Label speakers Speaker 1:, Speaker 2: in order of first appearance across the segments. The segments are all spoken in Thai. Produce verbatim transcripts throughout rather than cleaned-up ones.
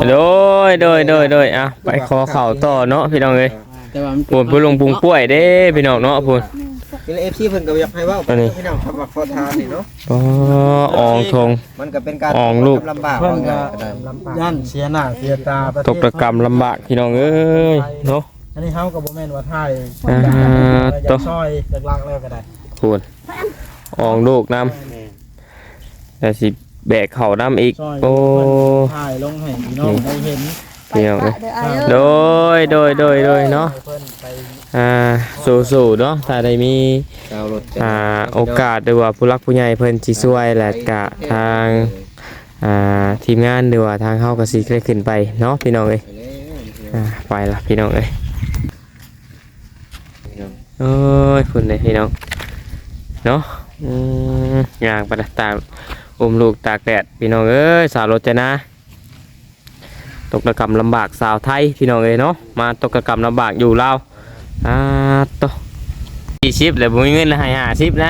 Speaker 1: โดยโดยโดยโดยอ่ะไปขอเข่าต่อเนาะพี่น้องเอ้ยปูนปูลงปุงป่วยเด้พี่น้องเนาะปูน
Speaker 2: เป็นเอฟซีเพิ่นก็อยากให้ว่าพี่น้องทำแบบขอทานนี่เนาะ
Speaker 1: อ๋ออองทง
Speaker 2: มันก็เป็นการ
Speaker 1: อองลูก
Speaker 2: ลำบาก
Speaker 3: เพิ่นก็ย่านเสียหน้าเสียตา
Speaker 1: ตกประกรรมลำบากพี่น้องเอ้ยเนาะ
Speaker 3: อันนี้เฮาก็บ่แม่นว่าไทย
Speaker 1: ต่อ
Speaker 3: ซอยจากลักแล้วก็ได้
Speaker 1: ปูนอองลูกน้ำแต่สิแบกเข่าน้ำอีกโอ้
Speaker 3: ถ่ายลงให้พี่น้องได้เห็น
Speaker 1: พี่น้องเลยโดยโดยโดยโดยเนาะอ่าสู้ๆเนาะถ้าได้มีอ่าโอกาสหรือว่าผู้รักผู้ใหญ่เพิ่นสิช่วยและกะทางอ่าทีมงานหรือว่าทางเฮาก็สิได้ขึ้นไปเนาะพี่น้องเอ้ยอ่าไปละพี่น้องเอ้ยโอ้ยพุ่นเลยพี่น้องเนาะอืมย่างไปตามอุ้มลูกตากแดดพี่น้องเอ้ยสาวรถจะนะตกระกรรมลำบากสาวไทยพี่น้องเอ้ยเนาะมาตกระกรรมลำบากอยู่ลาวอ่าโตสี่สิบเลยบุ้งเงินให้ห้าสิบนะ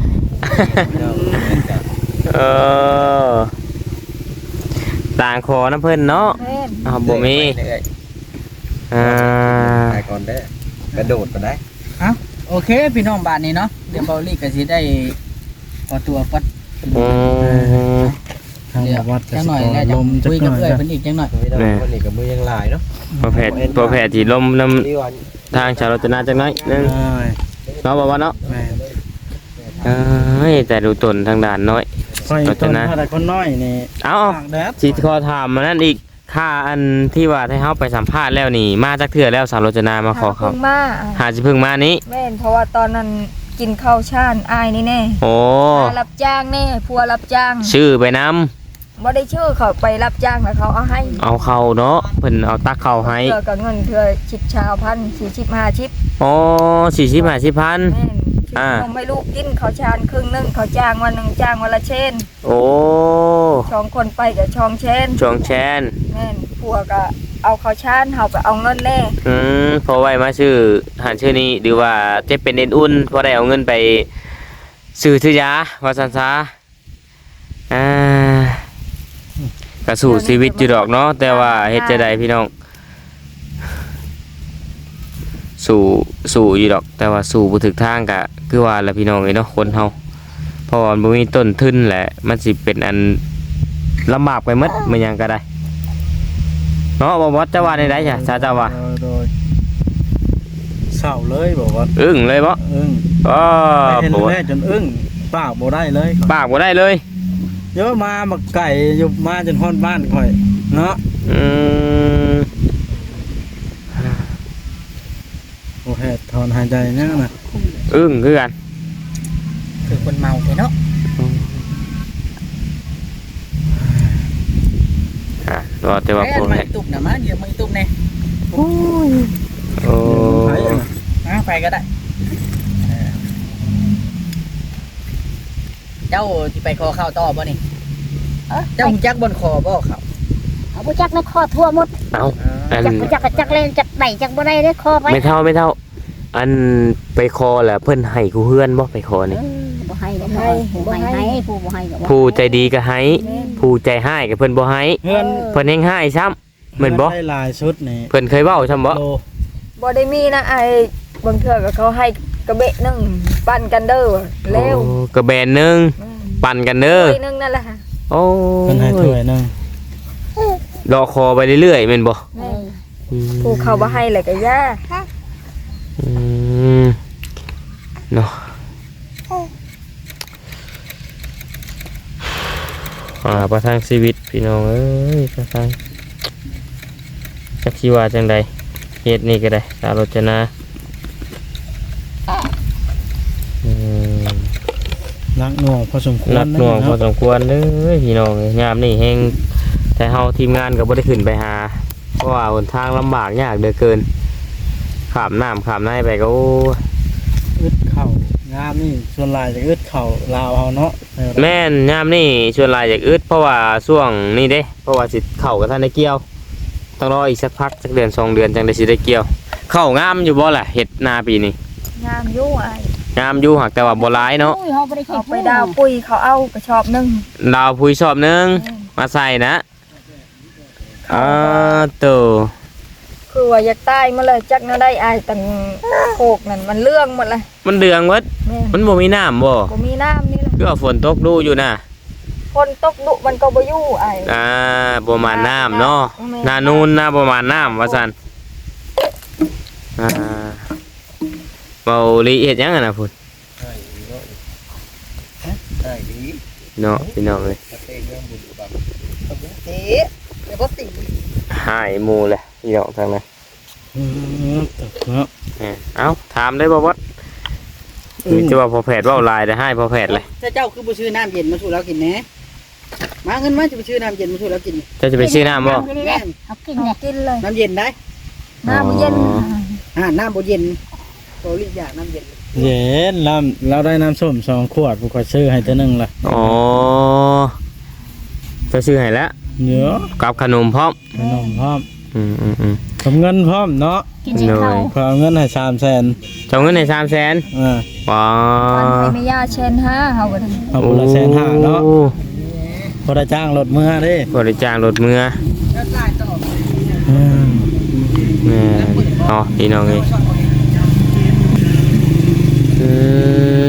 Speaker 1: เออต่างคอน้ำเพิ่นเนาะอ้าวบ่มีอ่า
Speaker 2: ไปก่อนเด้อกระโดดไปได้
Speaker 4: อ้าวโอเคพี่น้องบ้านนี้เนาะเดี๋ยวเบาลี่ก็สิได้ขอตัวก่อน
Speaker 1: อืม
Speaker 3: เดี๋ยววัด
Speaker 4: จังหน่อยแล้วจะคุยกับเพื่อนเพิ่นอีกจังหน่อย
Speaker 2: วันนี้ก็มือยังหลายเนาะ
Speaker 1: ประเภทประเภทที่ลมน้ำทางชาวรถนาจังน้อยนึงเนาะบ่ว่าเนาะเอ้ยแต่ดูตนทางด่านน้อย
Speaker 3: รถนาถ้าได้คนน้อยนี่
Speaker 1: เอ้าสิขอถามมานั่นอีกค่าอันที่ว่าให้เฮาไปสัมภาษณ์แล้วนี่มาจักเทื่อแล้วสาวรถนามาขอเขาหาสิเพิ่งมานี้
Speaker 5: แม่นเพราะว่าตอนนั้นกินข้าวชานอายนี่แน่
Speaker 1: โอ้
Speaker 5: รับจ้างแน่พัวรับจ้าง
Speaker 1: ชื่อไปนำ
Speaker 5: บ่ได้ชื่อเขาไปรับจ้างแล้วเขาเอาให้
Speaker 1: เอาเข้าเนาะเพิ่นเอาตักเข้าให้
Speaker 5: เทื่อก็เงินเทื่อสิบชาวพันสี่สิบห้าสิบ
Speaker 1: อ๋อสี่สิบห้าสิบพัน
Speaker 5: แม่นอ่าไม่ลูกกินข้าวชานครึ่งนึงเขาจ้างวันนึงจ้างวันละเชน
Speaker 1: โอ้
Speaker 5: ช่องคนไปกับช่องเชน
Speaker 1: ช่องเชน
Speaker 5: แม่นพัวก็เอาข้าวชานเฮาก็เอาเงินแน่
Speaker 1: อืมพอไว้มาชื่อหันชื่อนี้หรือว่าจะเป็นเอ็นอุ่นพอได้เอาเงินไปซื้อซื้อยาว่าซั่นซะอ่ากระสู่ชีวิตอยู่ดอกเนาะแต่ว่าเฮ็ดจะได้พี่น้องสู่สู่อยู่ดอกแต่ว่าสู่บ่ถึกทางก็คือว่าละพี่น้องเอ้ยเนาะคนเฮาเพราะว่ามันบ่มีต้นทุนแหละมันสิเป็นอันลำบากไปหมดมันหยังก็ได้เนาะบ่ว่าจะว่าได้ๆจ้ะชาเจ้าว่า
Speaker 3: เศร้าเลยบอกว่า
Speaker 1: อึ้งเลยบ่
Speaker 3: อึ้ง
Speaker 1: อ๋อ
Speaker 3: บ่ได้จนอึ้งปากบ่ได้เลย
Speaker 1: ปากบ่ได้เลย
Speaker 3: เยอะมาบักไก่อยู่มาจนฮอดบ้านข่อยเนาะ
Speaker 1: อืม
Speaker 3: โอ้แฮดถอนหายใจนั่นน่ะ
Speaker 1: อึ้งคือกัน
Speaker 4: คือคนเมาเนาะ
Speaker 1: อ่ะรอแต่ว่าพวกนี้
Speaker 4: ตุกน่ะมาเดี๋ยวมาตุกแน่
Speaker 1: โอ้ยโอ้
Speaker 4: มาไปก็ได้เจ้าที่ไปคอข้าวต่อบ่นี่เจ้าจักบนคอบ่เขา
Speaker 6: เอาบ่จักในคอทั่วหมด
Speaker 1: เอา
Speaker 6: จักจักจักเล่นจักไหนจักบ่ได้ได้คอไป
Speaker 1: ไม่เท่าไม่เท่าอันไปคอแหละเพิ่นให้กูเฮือนบ่ไปคอนี่
Speaker 6: บ่ให้บ่ให้บ่ให้ผู้บ่ให้ก็
Speaker 1: ผู้ใจดีก็ให้ผู้ใจให้ก็เพิ่นบ่ให้เพิ่นเฮงให้ซ้ำเหมือนบ่
Speaker 3: ได้หลายชุดนี่
Speaker 1: เพิ่นเคยเว้าซ้ำบ่
Speaker 5: บ่ได้มีนะไอ้บางเทื่อก็เขาให้กระเบะนึงปั่นกันเด้อเร็ว
Speaker 1: กระแบนนึงปั่นกันเด้อ
Speaker 5: ถ้วยนึงนั่นแหละ
Speaker 1: โอ้
Speaker 3: เพิ่นให้ถ้วยนึง
Speaker 1: รอคอไปเรื่อยๆแม่นบ่
Speaker 5: ผู้เขาบ่ให้เลยก็ย่า
Speaker 1: อืมเนาะอ่าประทังชีวิตพี่น้องเอ้ยประทังจักสิว่าจังใดเฮ็ดนี่ก็ได้สาวรจนาอืม
Speaker 3: นักหน่วงพอสมควร
Speaker 1: นักหน่วงพอสมควรเด้อพี่น้องยามนี่แฮงแต่เฮาทีมงานก็บ่ได้ขึ้นไปหาเพราะว่าหนทางลำบากยากเหลือเกินข้ามน้ำข้ามในไปก็
Speaker 3: อึดเข่างามนี่ส่วนลายจะอึดเข่าลาวเอาเนาะ
Speaker 1: แม่นยามนี่ชวนลายจากอึดเพราะว่าช่วงนี้เด้เพราะว่าสิเข่ากับท่านได้เกี่ยวต้องรออีกสักพักสักเดือนสองเดือนจังได้สิได้เกี่ยวเข่างามอยู่บ่ล่ะเห็ดนาปีนี้
Speaker 5: งามอยู่ไอ้
Speaker 1: งามอยู่หักแต่ว่าบ่ร้ายเนาะ
Speaker 5: เอาไปดาวปุยเขาเอากระชอบนึง
Speaker 1: ดาวปุยชอบนึงมาใส่นะอ่าโต
Speaker 5: คือว่าอยากตายมาเลยจักแนวได้อายตั้งโคกนั่นมันเรื่องหมดเลย
Speaker 1: มันเดืองเบิด
Speaker 5: แม่
Speaker 1: มันบ่มีน้ำบ่
Speaker 5: บ่มีน้ำนี่แหละ
Speaker 1: คือว่าฝนตกดูอยู่น่ะ
Speaker 5: คนตกดุมันก็บ่อยู่อาย
Speaker 1: อ่าบ่มาน้ำเนาะ
Speaker 5: แม่
Speaker 1: หนานูนนะบ่มาน้ำว่าซั่นอ่าเบาลีเฮ็ดหยังอะน่ะพุ่น
Speaker 2: ได้ดี
Speaker 1: เนาะพี่น้องเอ้ย
Speaker 2: เตะเรื่องบุญบังเตะเดี๋ยวก็ตี
Speaker 1: หายหมู่เลยพี่น้องทางนั้น
Speaker 3: อืมตกเนาะ
Speaker 1: เอ้ยเอ้าถามได้บ่บ่มีแต่ว่าพอแพทย์เว้าหลายได้ให้พอแพทย์เลย
Speaker 4: ถ้าเจ้าคือบ่ซื้อน้ำเย็นมาสู่เรากินแหน่มาเงินมาจะไปซื้อน้ำเย็นมาสู่เรากิน
Speaker 1: เจ้าจะไปซื้อน้ำบ่
Speaker 4: แม่น
Speaker 6: เอากิน
Speaker 5: เอา
Speaker 6: เลย
Speaker 5: กินเลย
Speaker 4: น้ำเย็นได้
Speaker 5: น้ำมันเย็น
Speaker 1: อ๋อ
Speaker 4: อ่าน้ำบ่เย็นโตลิอยากน้ำเย็น
Speaker 3: เย็นน้ำเราได้น้ำส้มสองขวดผู้ก็ซื้อให้ตัวหนึงล่ะ
Speaker 1: อ๋อเจะซื้อให้แล้ว
Speaker 3: เนื้อ
Speaker 1: กับขนมพร้อม
Speaker 3: ขนมพร้อม
Speaker 1: อืมอืมอืม
Speaker 3: กับเงินพร้อมเนาะ
Speaker 6: กินให้เข้า
Speaker 3: ขอเอาเงินให้สามแสน
Speaker 1: เจ้าเงินในสามแสน
Speaker 3: อ่า
Speaker 1: ว้า
Speaker 5: วันไปไม่ยาเชนห้าเฮาก็ได้
Speaker 3: เอาคนละแสนห้าเนาะพอได้จ้างรถเมื่อเด้
Speaker 1: บริจาครถเมื่อ
Speaker 4: แล้วลายต่อ
Speaker 3: อืม
Speaker 1: แม่เนาะพี่น้องเอ้ยอืม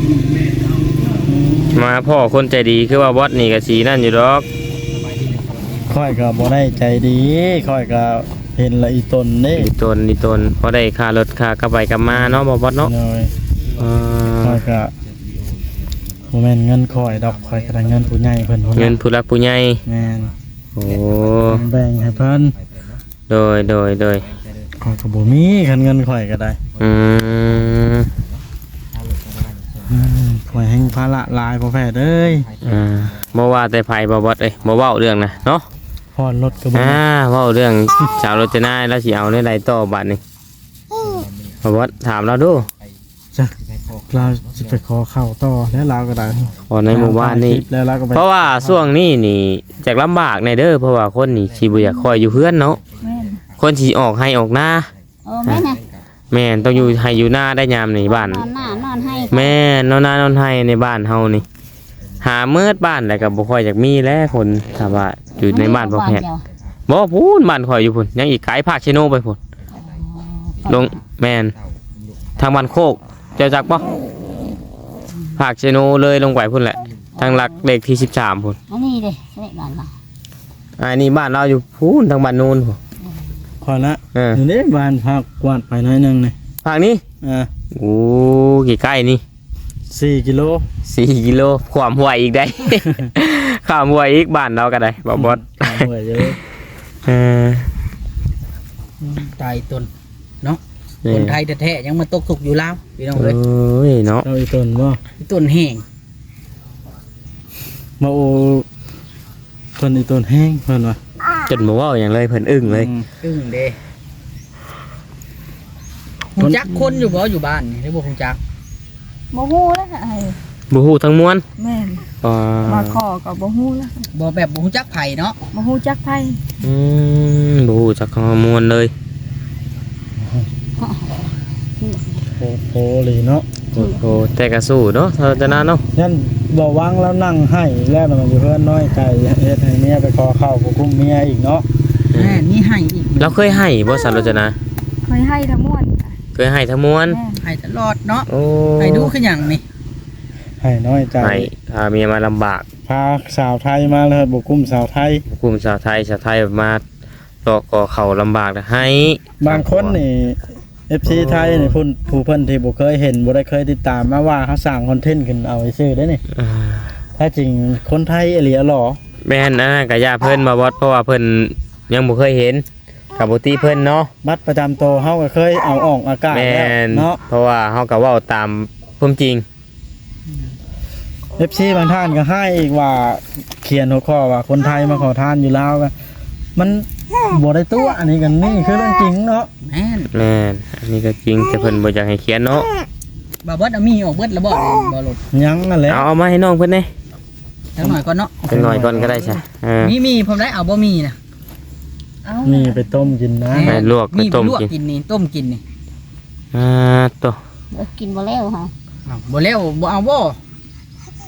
Speaker 1: มาพ่อคนใจดีคือว่าบอสนี่ก็สีนั่นอยู่ดอก
Speaker 3: ค่อยก็บ่ได้ใจดีค่อยก็เห็นละอีตนนี่
Speaker 1: อีตนอีตนพอได้ค่ารถค่ากลับไปกลับมาเนาะบ่บอสเนาะ
Speaker 3: หน่อย
Speaker 1: อ่
Speaker 3: ค่อา ยก็บ่แม่นเงินค่อยดอกค่อยก็ได้เงินผู้ใหญ่เพิ่นพุ่น
Speaker 1: เงินผู้รักผู้ใหญ่
Speaker 3: แม่น
Speaker 1: โอ้
Speaker 3: แบ่งให้เพิ่น
Speaker 1: โดยโดยโดย
Speaker 3: ข้อยก็บ่มีคันเงินข่อยก็ได้
Speaker 1: อืม
Speaker 3: อืมข่อยแห่งภาระหลายบ่แพ้เอ้ย
Speaker 1: อ่าบ่ว่าแต่ไผบ่บอสเอ้ยบ่เว้าเรื่องนะเนาะ
Speaker 3: พอดรถก็บ่
Speaker 1: อ่าเว้าเรื่องสาวรจนาแล้วสิเอาในใดต่อบัดนี้บ่บอสถามเราดู
Speaker 3: จ้ะเราสิไปขอเข้าต่อแล้วเราก็ได้
Speaker 1: ขอในหมู่บ้านนี่
Speaker 3: แล้วเราก็ไป
Speaker 1: เพราะว่าช่วงนี้นี่จากลำบากในเด้อเพราะว่าคนนี่สิบ่อยากคอยอยู่เพื่อนเนาะ
Speaker 5: แม่น
Speaker 1: คนสิออกให้ออกหน้า
Speaker 6: เออแม่น่ะ
Speaker 1: แม่นต้องอยู่ให้อยู่หน้าได้ยามในบ้าน
Speaker 6: นอนหน้านอนให้
Speaker 1: แม่นอนหน้านอนให้ในบ้านเฮานี่ หาเมิดบ้านแล้วก็บ่ค่อยอยากมีแล้วคนถ้าว่าอยู่ในบ้านบ่แพทย์บ่พูนบ้านข่อยอยู่พุ่นยังอีกไกลภาคเชโนไปพุ่นลงแม่นทางบ้านโคกเจ้าจักบ่ภาคเชโนเลยลงไปพุ่นแหละทางหลักเลขที่สิบสามพุ่น
Speaker 6: อันนี้เด้ใช่บ้านเรา
Speaker 1: อันนี้บ้านเราอยู่พูนทางบ้านนู้นพุ่น
Speaker 3: ขอละ
Speaker 1: เออ
Speaker 3: อยู่นี่บ้านพักกวาดไปหน้อยหนึงนี่
Speaker 1: ภาคนี้
Speaker 3: อ่า
Speaker 1: โอ้กี่ใกล้นี่
Speaker 3: สี่กิโล
Speaker 1: สี่กิโลความห่วยอีกได้ ความห่วยอีกบ้านเราก็ได้บ่บอส
Speaker 3: หัวเยอะ
Speaker 1: เออ
Speaker 4: ตายตนเนาะคนไทยแท้ๆยังมาตกทุกข์อยู่ลาวพี่น้อง
Speaker 1: โอ้
Speaker 4: เอ้ย
Speaker 1: ยเนาะ
Speaker 3: เราอีตนบ่
Speaker 4: ต้นแห้ง
Speaker 3: มาโอเพิ่นอีตนแห้งเพิ่นว่า
Speaker 1: จนบ่เว้าอย่างเลยเพิ่นอึ้งเลย
Speaker 3: อืม
Speaker 4: อึ้งเด้ฮู้จักคนอยู่บ่อยู่บ้านนี่หรือบ่ฮู้จัก
Speaker 5: บ่ฮู้แล้วไอ้
Speaker 1: บ่ฮู้ทั้งมวล
Speaker 5: แม่น
Speaker 1: อ่า
Speaker 5: มาขอก็บ่ฮู้แล้ว
Speaker 4: บ่แบบบ่ฮู้จักไผเนาะ
Speaker 5: บ่ฮู้จักไผ
Speaker 1: อืมบ่ฮู้จักข้อมูลเลย
Speaker 3: โอ้โหเลยเนาะ
Speaker 1: โอ้โหแต่ก็สู้เนาะเท่าจะนานเนาะ
Speaker 3: ยันบ่วางแล้วนั่งให้แล้วน่ะมันอยู่เพิ่นน้อยใจเฮ็ดให้เมียไปขอเข้าผู้คุมเมียอีกเนาะ
Speaker 4: แม่นี่ให้อีก
Speaker 1: เราเคยให้บ่สารจนา
Speaker 5: เคยให้ทั้งมวล
Speaker 1: เคยให้ทั้งมวล
Speaker 5: แม่น
Speaker 4: ให้ตลอดเนาะ
Speaker 1: โอ้
Speaker 4: ให้ดูคือหยังนี่
Speaker 3: ให้น้อยใจ
Speaker 1: ให้พาเมียมาลำบาก
Speaker 3: พาสาวไทยมาเลยบุกกุ้มสาวไทย
Speaker 1: กลุ่มชาวไทยชาวไทยมาตอกก่อเขาลำบากนะให้
Speaker 3: บางคนนี่ เอฟ ซี ไทยนี่พุ่นผู้เพิ่นที่บ่เคยเห็นบ่ได้เคยติดตามมาว่าเขาสร้างคอนเทนต์ขึ้นเอาไว้ซื้อได้นี่
Speaker 1: อ่า
Speaker 3: ถ้าจริงคนไทยอีหลีอะหรอ
Speaker 1: แม่นนะกะยาเพิ่นมาบอสเพราะว่าเพิ่นยังบ่เคยเห็นกับบ่ตีเพิ่นเนาะ
Speaker 3: บัตรประจำตัวเฮาก็เคยเอาออกอากาศ
Speaker 1: แม่
Speaker 3: แล้ว
Speaker 1: น
Speaker 3: เนาะ
Speaker 1: เพราะว่าเฮาก็เว้าตามความจริง
Speaker 3: เอฟ ซี บางท่านก็ให้อีกว่าเขียนหัวข้อว่าคนไทยมาขอทานอยู่ลาวก็มันบ่ได้ตัวอันนี้กันนี่คือเรื่องจริงเนาะ
Speaker 4: แม่น
Speaker 1: แม่นอันนี้ก็จริงแต่เพิ่นบ่อยากให้เขียนเนาะ
Speaker 4: บ่เบิดเอามีออกเบิดแล้วบ่บ่หลด
Speaker 3: ยังนั่นแหละ
Speaker 1: เอาเอามาให้น้องเพิ่นเด้
Speaker 4: จังหน่อยก่อนเนาะ
Speaker 1: จังหน่อยก่อนก็ได้ใช่เออ
Speaker 4: มีมีผมได้เอาบ่มีนะ
Speaker 5: เอา
Speaker 3: นี่ไปต้มกินนะ
Speaker 1: ไปลวกไป
Speaker 4: มี
Speaker 1: ต้ม
Speaker 4: ลวก
Speaker 1: กิน
Speaker 4: กินนี่ต้มกินนี่
Speaker 1: อ่าโต
Speaker 6: กินบ่แล้วฮะ
Speaker 4: อ้าวบ่แล้วบ่เอาบ่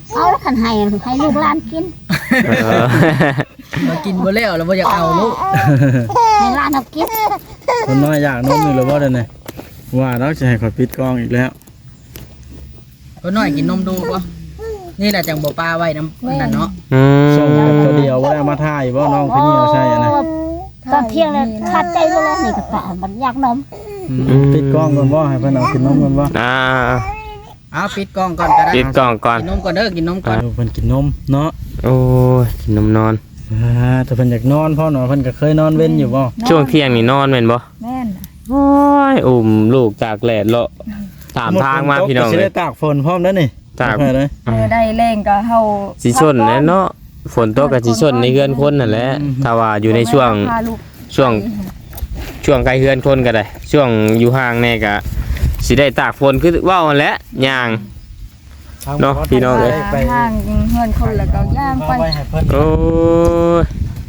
Speaker 6: เอาแล้วคันให้ให้ลูกหลานกิน
Speaker 1: เออ
Speaker 4: มากินบ่แล้วแล้วบ่อยากเอาลูก
Speaker 6: ให้หลานเอากิน
Speaker 3: คนน้อยอยากนมอยู่หรือบ่เด้อนี่ว่าเราจะให้ข่อยปิดกล้องอีกแล้ว
Speaker 4: ก็น้อยกินนมดูบ่นี่แหละจังบ่ปลาไว้น้ำนั่นเนาะ
Speaker 1: อืม
Speaker 3: ส่งกันตัวเดียวบ่ได้เอามาถ่ายบ่น้องพี่นี่เอาใช่อันนะ
Speaker 6: ตอนเที่ยงเลยขาดใจไปเลยนี่ก็ตามันอยากนม
Speaker 3: ปิดกล้องก่อนบ่ให้เพิ่นเอากินนมก่อนบ่
Speaker 1: อ่า
Speaker 4: เอาปิดกล้องก่อนก็ได้
Speaker 1: ปิดกล่องก่อน
Speaker 4: กินนมก่อนเด้อกินนมก่อน
Speaker 3: เอาเพิ่นกินนมเนาะ
Speaker 1: โอ้ยกินนมนอน
Speaker 3: อ่าถ้าเพิ่นอยากนอนพ่อเนาะเพิ่นก็เคยนอนเว้นอยู่บ่
Speaker 1: ช่วงเที่ยงนี่นอนแม่นบ่
Speaker 5: แม่น
Speaker 1: โอ้ยอุ้มลูกตากแดดเลาะตามทางมาพี่น้อง
Speaker 3: สิ
Speaker 1: เล
Speaker 3: ได้
Speaker 1: ย
Speaker 3: ตากฝนพร้อมเด้อนี่
Speaker 1: ตาก
Speaker 3: เอเลย
Speaker 5: เออได้แรงก็เฮา
Speaker 1: สิชนแหละเนาะฝนตกก็สิชนในเฮือนคนนั่นแหละถ้าว่าอยู่ในช่วง
Speaker 5: พาลูก
Speaker 1: ช่วงช่วงใกล้เฮือนคนก็ได้ ช่วงอยู่ห่างแน่ก็สิได้ตากฝนคือเว้าหั่นแหละย่าง เนาะพี่น้องเอ้ย
Speaker 3: ไป
Speaker 5: ห่างเฮือนคนแล้วก็ย่างไป
Speaker 3: เอาไว้ให้เพิ่น
Speaker 1: โอ้ย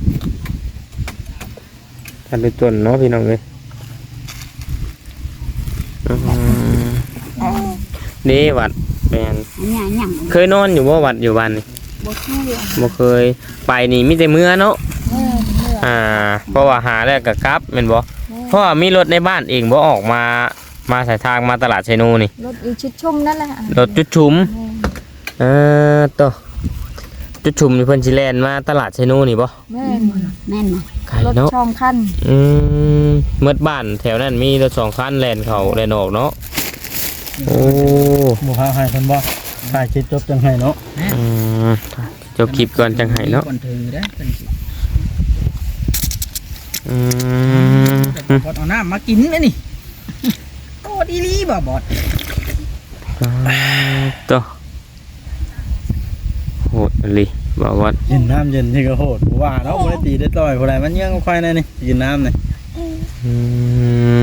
Speaker 1: ทันเป็นต้นเนาะพี่น้องเอ้ยอืมนี่วัดแม่น
Speaker 6: อันนี้หยัง
Speaker 1: เคยนอนอยู่บ่วัดอยู่บ้านนี่
Speaker 5: บ่เคย
Speaker 1: บ่เคยไปนี่มีแต่เมื่อเนาะ
Speaker 5: แม่นเมื่อ
Speaker 1: อ่าเพราะว่าหาแล้วก็กลับแม่นบ่เพราะว่ามีรถในบ้านเองบ่ออกมามาสายทางมาตลาดไชโนนี่
Speaker 5: รถอีชิดชุ่มนั่นแหละ
Speaker 1: รถจุดชุมเออต่อจุดชุมนี่เพิ่นสิแล่นมาตลาดไชโนนี่บ่
Speaker 5: แม่น
Speaker 6: แม่นบ่
Speaker 1: ไกล
Speaker 5: รถ
Speaker 1: เนาะ
Speaker 5: ช่องคัน
Speaker 1: อืมเมื่อบ้านแถวนั้นมีรถสองคันแล่นเข้าแล่นออกเนาะโอ้
Speaker 3: บ่พาให้เพิ่นบ่ถ่ายคลิปจบจังให้เนาะ
Speaker 1: อืมจบคลิปก่อนจังไห้เนาะ
Speaker 4: ก่อนถึงเด้อเพิ่นสิ
Speaker 1: อืม
Speaker 4: บอดเอาน้ำมากินเลยนี่โอ้ดีลีบ่บอด
Speaker 1: ต่อโหดเลยบอกว่า
Speaker 3: กินน้ำเย็นที่ก็โหดบ่ว่าเนาะบ่ได้ตีได้ต่อยผู้ใดมันยังค่อยแน่นี่กินน้ำนี่
Speaker 1: อืม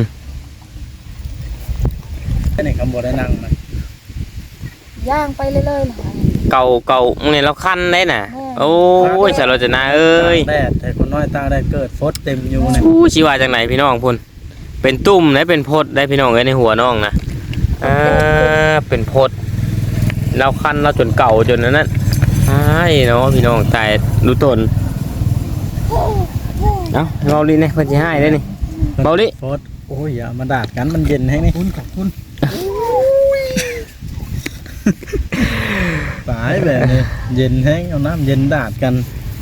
Speaker 3: แค่นี้คำบ่ได้นั่งนะ
Speaker 5: ย่างไปเรื่อยๆล่ะ
Speaker 1: เก่าเก่ามึงเนี่ยเราคันได้น่ะ โอ้ยสารจนาเอ้ย
Speaker 3: ตากแดดแต่คนน้อยตากแดดเกิดฝนเต็มอยู่นี่
Speaker 1: อู้ชีว่าจากไหนพี่น้องพุ่นเป็นตุ่มได้เป็นพดได้พี่น้องเอ้ยในหัวน้องนะอ่าเป็นพดเราคันเราจนเก่าจนนั้นนั่นใช่เนาะพี่น้องแต่ดูตนเอ้าเบาลิเนี่ยเพิ่นสิให้ได้นี่เบาลิ
Speaker 3: ฝนโอ้ยอย่ามาดาดกันมันเย็นแฮงนี่
Speaker 4: คุณขอบคุณ
Speaker 3: ตายแบบนี้เย็นแฮงเอาน้ำเย็นดาดกัน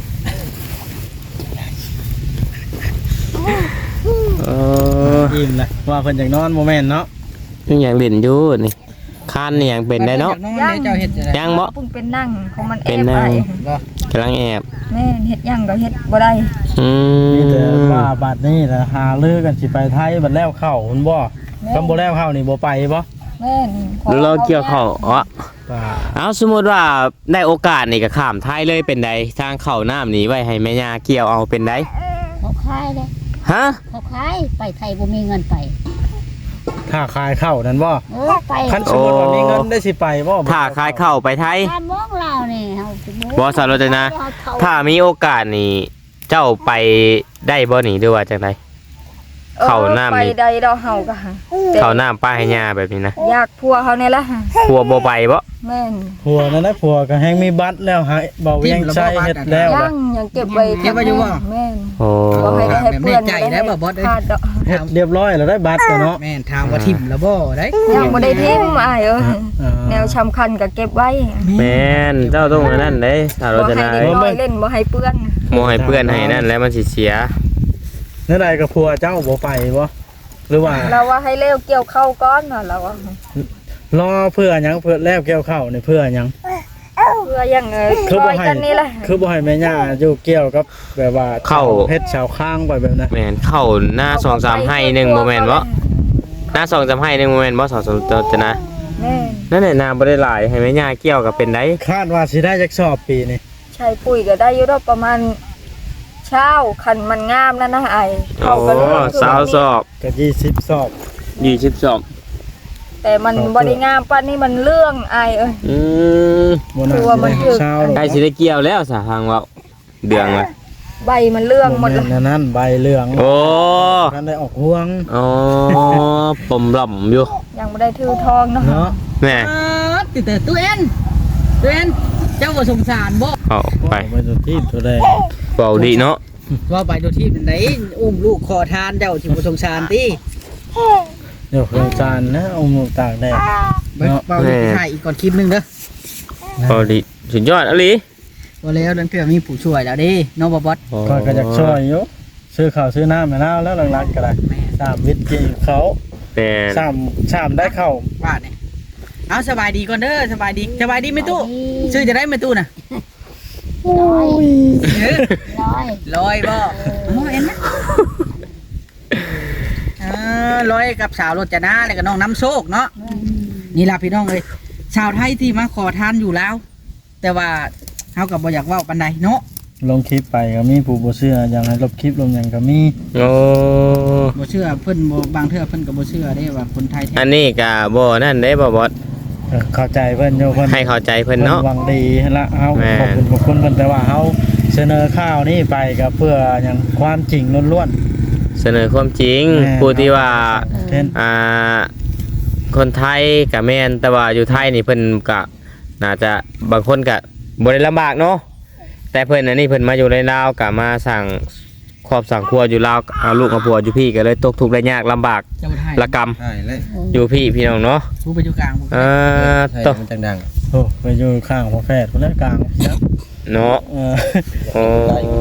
Speaker 1: เออ
Speaker 3: อิ่มเลยว่าเพิ่นอยากนอนโมเมนต์เนาะ
Speaker 1: ยังอยากเล่นอยู่นี่คันนี่ยังเป็นได้เนาะ
Speaker 4: อยากนอนเด้อเจ้าเฮ็ดจะได้
Speaker 1: ยังบ่
Speaker 5: เพิ่งเป็นนั่งของมันแอ
Speaker 1: เป็น
Speaker 5: บ
Speaker 1: นั่
Speaker 5: ไป
Speaker 1: ง
Speaker 4: บ่
Speaker 1: กำลังแอบ
Speaker 5: แม่นเฮ็ดหยังก็เฮ็ดบ่ได้
Speaker 1: อื
Speaker 3: นี่แต่
Speaker 1: ม
Speaker 3: ว่าบัดนี้นะหาลือกันสิไปไทยบัดแล้วเข้ามันบ่คำบ่แล้วเข้านี่บ่ไปบ่
Speaker 5: แม่นขอ
Speaker 1: เราเกี่ยวเขาอ๋อ
Speaker 3: ป่า
Speaker 1: เอาสมมติว่าได้โอกาสนี่ก็ข้ามไทยเลยเป็นใดทางเข่าน้ำนี้ไว้ให้แม่ย่าเกี่ยวเอาเป็นใด
Speaker 6: เขาขายเลย
Speaker 1: ฮะ
Speaker 6: เขาขายไปไทยบ่มีเงินไป
Speaker 3: ถ้าขายเข้านั่นบ่
Speaker 6: เออไป
Speaker 3: คันสมมุติว่ามีเงินได้สิไปบ่
Speaker 1: ถ้าขายเข่าไปไทย
Speaker 6: บ้านมองเรานี่เฮาสิบ่
Speaker 1: บ่สารจนะถ้ามีโอกาสนี่เจ้าไปได้บ่นี่ด้วยว่าจังได เข้าน้ำนี่
Speaker 5: ไปใดดอกเฮาก็หาแต่
Speaker 1: เข้าน้ำป้าให้ย่าแบบนี้นะ
Speaker 5: อยากพัวเขาเนี่ยละหา
Speaker 1: พัวบ่ไปบ่
Speaker 5: แม่น
Speaker 3: ผัวนั่นนะผัวก็แฮงมีบัตรแล้วหาเบาเวียงใช้เฮ็ดแล้ว
Speaker 5: ยั
Speaker 3: ล่ะ
Speaker 5: งยังเก็บไว้
Speaker 4: เก็บไว้อยู่บ่
Speaker 5: แม่น
Speaker 1: โอ้
Speaker 5: บ่ให้ได้ให้เพื่อน
Speaker 4: แบบแน่ใจได้บ่บอสเอ้ย
Speaker 5: ขาดดอก
Speaker 3: เฮ็ดเรียบร้อยแล้วได้บัตรแล้วเนาะ
Speaker 4: แม่นถามว่าทิ่มแล้วบ่ได้
Speaker 5: ยังบ่ได้ทิมอ้ายเอ้ย
Speaker 3: อ่า
Speaker 5: แนวสำคัญก็เก็บไว้
Speaker 1: แม่นเจ้าต้องอันนั้นเด้สาร
Speaker 5: บ่
Speaker 1: จ
Speaker 5: ให้
Speaker 1: นา
Speaker 5: เด็กน้อยเล่นบ่ให้เปื้อน
Speaker 1: บ่ให้เพื่อนให้นั่นแล้วมันสิเสีย
Speaker 3: นั่นใดก็ผัวเจ้าบ่ไปบ่หรือว่า
Speaker 5: เราว่าให้เร็วเกี่ยวเข้าก้อนน่ะเราว่า
Speaker 3: รอเพื่อหยังเพื่อแล้วแก้วเข้านี่เพื่อหยัง
Speaker 5: เพื่อยังเอ้ย
Speaker 3: คือ
Speaker 5: ค
Speaker 3: บ่
Speaker 5: อย
Speaker 3: ให้
Speaker 5: กันนี่แหละ
Speaker 3: คือบ่ให้แม่ย่าอยู่เกี่ยวกับแบบว่าเฮ็ดชาวข้างไปแบบนั้น
Speaker 1: แม่นเข้าหน้าสองสามให้หนึ่งบ่แม่นบ่หน้าสองสามให้หนึ่งบ่แม่นบ่สารจนะ
Speaker 5: แม่น
Speaker 1: นั่นแหละนาบ่ได้หลายให้แม่ย่าเกี่ยวกับเป็นได้
Speaker 3: คาดว่าสิได้จักสอบปีนี่
Speaker 5: ใช้ปุ๋ยก็ได้อยู่ดอกประมาณเช้าคันมันงามนั่นนะไอ้
Speaker 1: โอ้
Speaker 5: เขาก็เรื่องคือ
Speaker 1: สาวสอบ
Speaker 3: ก็ยี่สิบสอบ
Speaker 1: ยี่สิบสอบ
Speaker 5: แต่มันบ่ได้งามปานนี้มันเรื่องไอ้เอ้ย
Speaker 1: อืม
Speaker 3: บ่น่า
Speaker 5: คือว่า
Speaker 3: สิ
Speaker 5: มัน
Speaker 3: ได้
Speaker 5: คือ
Speaker 3: เช้า
Speaker 1: ใกล้สิได้เกี่ยวแล้วสาทางเว้าเดืองละ
Speaker 5: ใบมันเรื่องหม
Speaker 3: บ่
Speaker 5: ด
Speaker 3: แม่
Speaker 5: เลย
Speaker 3: นนั่นใบเหลือง
Speaker 1: โอ้
Speaker 3: กันได้ออกห่วง
Speaker 1: อ๋อปมหล่อมอยู่
Speaker 5: ยังบ่ได้ถือทองเนาะ
Speaker 3: เนาะ
Speaker 1: แม่
Speaker 4: อ่าติดแต่ตัวเอ็นตัวเอ็นเจ้าบ่สงสารบ่
Speaker 1: เข้าไป
Speaker 3: ไปตัวที่ตัวแดง
Speaker 1: เบาดีเนาะ
Speaker 4: ว่าไปดูที่เป็นไหนอุ้มลูกขอทานเจ้าสิบ่สงสารติ
Speaker 3: เดี๋ยวโครงการนะเอาหมูตากแดด
Speaker 4: ไปเป่าอีกถ่ายอีกก่อนคลิปหนึงเด้อ
Speaker 1: เบาดีสุดยอดอะลี
Speaker 4: บ่แล้วนั่นเพื่อมีผู้ช่วยแล้วเด้เนาะบ่บอส
Speaker 3: ก็ก็จะช่วยอยู่ซื้อข้าวซื้อน้ำมาแล้วแล้วหลังๆก็ได้สามวิทย์กี่เขา
Speaker 1: แม่น
Speaker 3: สามสามได้เข้า
Speaker 4: ว่าเนี่ยเอาสบายดีก่อนเด้อสบายดีสบายดีไหมตู้ชื่อจะได้ไหมตู้น่ะ
Speaker 6: ร้อย
Speaker 4: เออ
Speaker 6: ร้อย
Speaker 4: ลอยบ่อ๋อเอ็นนะเออลอยกับสาวรถจะหน้าแล้วก็น้องน้ำโชคเนาะนี่ล่ะพี่น้องเอ้ยชาวไทยที่มาขอทานอยู่แล้ว แต่ว่าเฮาก็บ่อยากเว้าปานใดเนาะ
Speaker 3: ลงคลิปไปก็มีผู้บ่เชื่ออย่างให้ลบคลิปลงอย่างก็มี
Speaker 1: โอ้
Speaker 4: บ่เชื่อเพิ่นบ่บางเทื่อเพิ่นก็บ่เชื่อได้ว่าคนไทยแท้
Speaker 1: อันนี้ก็บ่นั่นได้บ่บอส
Speaker 3: เออเข้าใจเพิ่นโยเพิ่น
Speaker 1: ให้เข้าใจเพิ่นเนาะ
Speaker 3: หวังดีหั่นละเฮา
Speaker 1: แม่น
Speaker 3: ขอบคุณขอบคุณเพิ่นแต่ว่าเฮาเสนอข่าวนี้ไปก็เพื่ออย่างความจริงล้วน
Speaker 1: เสนอความจริง
Speaker 3: แม่น
Speaker 1: ผู้ที่ว่า
Speaker 3: ๆเช่น
Speaker 1: อ่าคนไทยกับแม่นแต่ว่าอยู่ไทยนี่เพิ่นก็น่าจะบางคนก็บ่ได้ลำบากเนาะแต่เพิ่นอันนี้เพิ่นมาอยู่ในลาวก็มาสั่งครอบสั่งครัวอยู่ลาวเอาลูกเอาผัวอยู่พี่ก็เลยตกทุกข์ได้ยากลำบาก
Speaker 4: เจ้าไทย
Speaker 1: ละกรรม
Speaker 2: ใช่เลย
Speaker 1: อยู่พี่พี่น้องเนาะ
Speaker 4: ผู้ไปอยู่กลางผู้
Speaker 1: เอ่อ
Speaker 2: ใช่
Speaker 1: ต
Speaker 2: มันจังดัง
Speaker 3: โอ้ไปอยู่ข้างพ่อแพทย์คนนั้นกลางครับ
Speaker 1: เนาะ
Speaker 3: เออ
Speaker 1: โอ้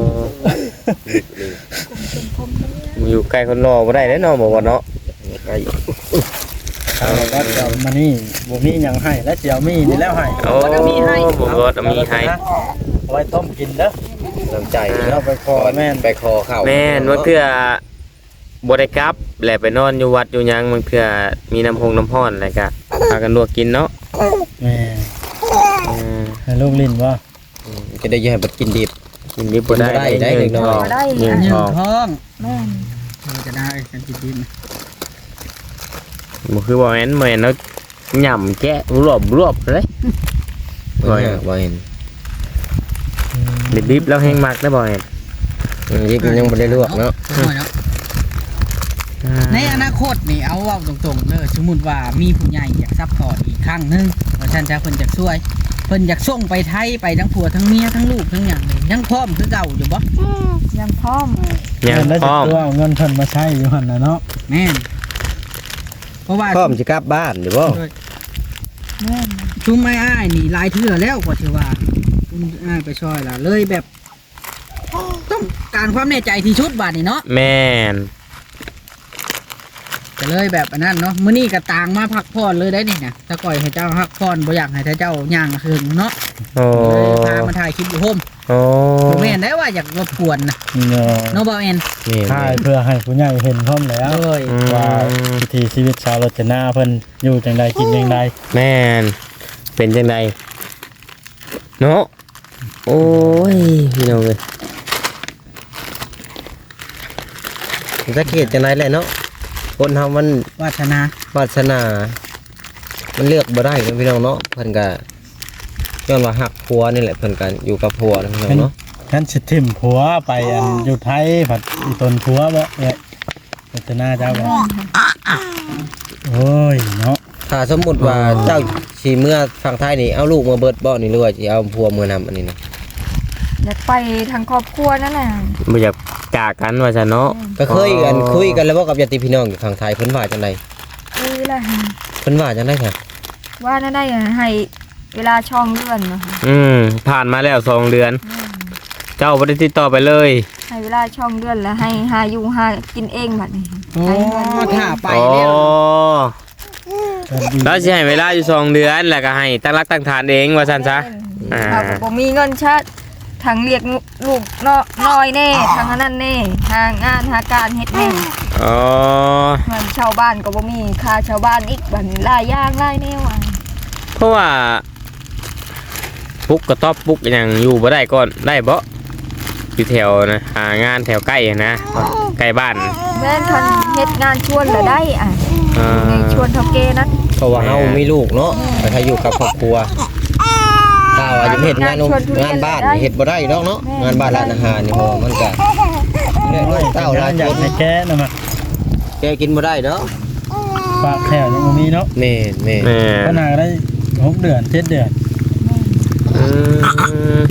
Speaker 1: อยู่ใกล้คนรอบ่ได้เด้อเนาะบ่ว่าเนาะ
Speaker 2: ใกล้
Speaker 3: เอาว่าจะเอามานี่บ่มีหยังให้และเจียวมีนี่แล้วให้
Speaker 1: โอ้บ่มีให้บ่บ่มีให้
Speaker 3: เอาไว้ต้มกินเด้อ
Speaker 2: น้ำใจ
Speaker 3: เราไปขอแม่น
Speaker 2: ไปคอเข้า
Speaker 1: แม่นว่าเทื่อบ่ได้กลับแหละไปนอนอยู่วัดอยู่หยังมันเทื่อมีน้ำพงน้ำร้อนอะไรก็พากันลวกกินเนาะ
Speaker 3: แม่
Speaker 1: เออ
Speaker 3: ให้ลูกลิ้นว่า
Speaker 2: จะได้ยังให้บัดกินดิบ
Speaker 1: กินดิบบ่ได้
Speaker 2: ได้ได้เล็กน้อย
Speaker 5: บ่ได้
Speaker 1: เงิน
Speaker 4: หนึ่
Speaker 1: ท
Speaker 4: ง
Speaker 1: อง
Speaker 4: ท้อง
Speaker 5: แม่น
Speaker 4: เราจะได้กันจิตดิน
Speaker 1: บ่คือบ่แม่นแม่นแล้วหย่ำแกะรวบรวบเลย
Speaker 2: บ่เห็นบ่เห็น
Speaker 1: ดิบๆแล้วแห้งมักได้บ่แม่น
Speaker 2: อืมยิบยังบ่ได้ลวกเนาะ
Speaker 4: เนาะในอนาคตนี่เอาเว่าตรงๆเลยสมมุติว่ามีผู้ใหญ่อยากซัพพอร์ตอีกครั้งหนึงว่าฉันจะเพิ่นอยากช่วยเพิ่นอยากส่งไปไทยไปทั้งผัวทั้งเมียทั้งลูกทั้งหยังเลยยังพร้อมคือเก่าอยู่บ่
Speaker 5: ยังพร้อม
Speaker 1: ยัง
Speaker 3: เงินได้
Speaker 1: พ
Speaker 3: จาก
Speaker 1: ร้อม
Speaker 3: ตัวเอาเงินเพิ่นมาใช้อยู่หั่นน่ะเนาะ
Speaker 4: แม่นเพราะว่า
Speaker 2: พร้อมสิกลับบ้านอยู่บ่
Speaker 5: แม่น
Speaker 4: ชุมไม่อ้ายนี่หลายเทื่อแล้วกว่าที่ว่าชุมอ้ายไปช่วยล่ะเลยแบบ ต้องการความแน่ใจที่ชุดบาดนี่เนาะ
Speaker 1: แม่น
Speaker 4: ก็เลยแบบอันนั้นเนาะมื้อนี้ก็ต่างมาพักผ่อนเลยได้นี่นะถ้าก่อยให้เจ้าพักผ่อนบ่อยากให้เจ้าย่างคืนเนาะ
Speaker 1: โอ้
Speaker 4: เลยพามาถ่ายคลิปอยู่โฮม
Speaker 1: โอ้
Speaker 4: บ่แม่นได้ว่าอยากรบกวนนะ
Speaker 3: เนาะ
Speaker 4: เนาะบ่แม่น
Speaker 1: นี่
Speaker 3: ถ่ายเพื่อให้ผู้ใหญ่เห็นพร้อมแล้ว
Speaker 4: เลย
Speaker 1: อืม
Speaker 3: ว่าวิถีชีวิตชาวรจนาเพิ่นอยู่จังใดกินจังใด
Speaker 1: แม่นเป็นจังไดเนาะโอ้ยพี่น้องเอ้ย
Speaker 2: สังเกตจังได๋แหละเนาะคนเฮามัน
Speaker 4: วาสนาว
Speaker 2: าสนา มันเลือกบ่ได้เนาะพี่น้องเนาะเพิ่นก็ย้อนว่าฮักผัวนี่แหละเพิ่นก็อยู่กับผัวนะพี่น้องเนาะ
Speaker 3: ฉันสิทิ่มผัวไปอันอยู่ไทยผัดอีตนผัวบ่เอ้ยรจนาเจ้าบ่โอ้ยเนาะ
Speaker 2: ถ้าสมมุติว่าเจ้าสิเมื่อฝั่งไทยนี่เอาลูกมาเบิดบ่นี่หรือว่าสิเอาผัวมือนำอันนี้นะ
Speaker 5: อยากไปทางครอบครัวนั่นน่ะ
Speaker 1: บ่อยากจากกันว่าซั่นเนาะ
Speaker 2: ก็เคยกันคุยกันแล้วบ่กับญาติพี่น้องอยู่ฝั่งไทยเพิ่นว่าจังได๋
Speaker 5: คือแหละ
Speaker 2: เพิ่นว่าจังได๋ค่ะ
Speaker 5: ว่านั่นได้ให้เวลาช่องเดือนนะคะ
Speaker 1: อืมผ่านมาแล้วสองเดือน เจ้าบ่ได้ติดต่อไปเลย
Speaker 5: ให้เวลาช่องเดือนแล้วให้หาอยู่หากินเองบัดนี้
Speaker 4: โอ้
Speaker 5: ให้เงิน
Speaker 4: ถ้าไป
Speaker 1: อ๋อ
Speaker 4: แล้ว
Speaker 1: แล้วสิให้เวลาอยู่สองเดือนแล้วก็ให้ตั้งรักตั้งฐานเองว่าซั่นซะ อ่า
Speaker 5: ถ้าบ่มีเงินชาติทางเรียกลูกน้อยน้อยแน่ทางอันนั้นแน่หางานหาการเฮ็ดแน่
Speaker 1: อ๋อ
Speaker 5: เงินชาวบ้านก็บ่มีค่าชาวบ้านอีกบัดนี้หลายอย่างหลายแนวอ่ะ
Speaker 1: เพราะว่าปุ๊กกระต๊อบปุ๊กอหย่างอยู่บ่ได้ก่อนได้บ่อยู่แถวนะหางานแถวใกล้นะใกล้บ้าน
Speaker 5: แม่นคันเฮ็ดงานชวนแล้วได้อ่ะ
Speaker 1: อ่า
Speaker 5: ในชวนเท่าแก่นั้น
Speaker 2: เพราะว่าเฮามีลูกเนาะแต่ถ้าอยู่กับครอบครัวถ้าว่าจะเฮ็ดงานงานบ้านนี่เฮ็ดบ่ได้ดอกเนาะงานบ้านร้านอาหารนี่เพราะว่ามันก็เนี่ยเต้าหลาย
Speaker 3: อยา
Speaker 2: ค
Speaker 3: ก
Speaker 2: น
Speaker 3: ให้แก้นะมา
Speaker 2: แกกินบ่ได้เนาะ
Speaker 3: ปากแถวยังบ่มีเนาะ
Speaker 2: แม่นแม่น
Speaker 1: แม่
Speaker 3: ขนาดได้หกเดือนเจ็ดเดือน
Speaker 1: อืม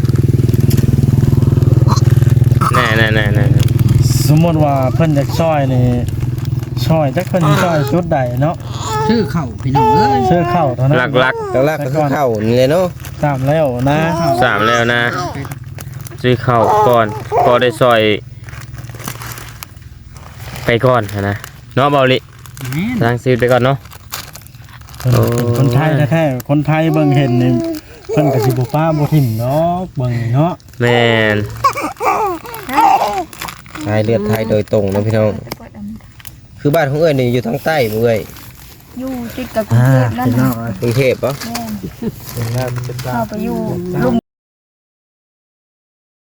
Speaker 1: แน่แน่แน่แน่
Speaker 3: สมมติว่าเพิ่นจะช่อยนี่ช่อยจักเพิ่นสิช่อยชุดใดเนาะ
Speaker 4: ชื่อเข่าพี่น้องเอ้ย
Speaker 3: เสื้อเข้าเท่านั้น
Speaker 1: หลักหลัก
Speaker 2: หลักๆก็คือเข้านี่เลยเนาะ
Speaker 3: ตามแล้วนะ
Speaker 1: ๆสามแล้วนะซื้อข้าวก่อนก็ได้ซอย ไปก่อนนะเนาะเบาลิ
Speaker 4: แม่น
Speaker 1: ล้างซีดไปก่อนเนาะ
Speaker 3: เพิ่นเป็นคนไทยแท้ๆคนไทยเบิ่งเห็นนี่เพิ่นก็สิบ่ป้าบ่ทิ่มเนาะเบิ่งนี่เนาะ
Speaker 1: แม่น
Speaker 2: สายเลือดไทยโดยตรงนะพี่น้องคือบ้านของเอ้ยนี่อยู่ทางใต้บ่เอ้ย
Speaker 5: อยู่ติดกับกรุงเทพนั่น
Speaker 3: พี่น้
Speaker 5: น่ะ
Speaker 3: อง
Speaker 2: กรุงเทพปะ
Speaker 5: แม่นเข้าไปอยู่ลุม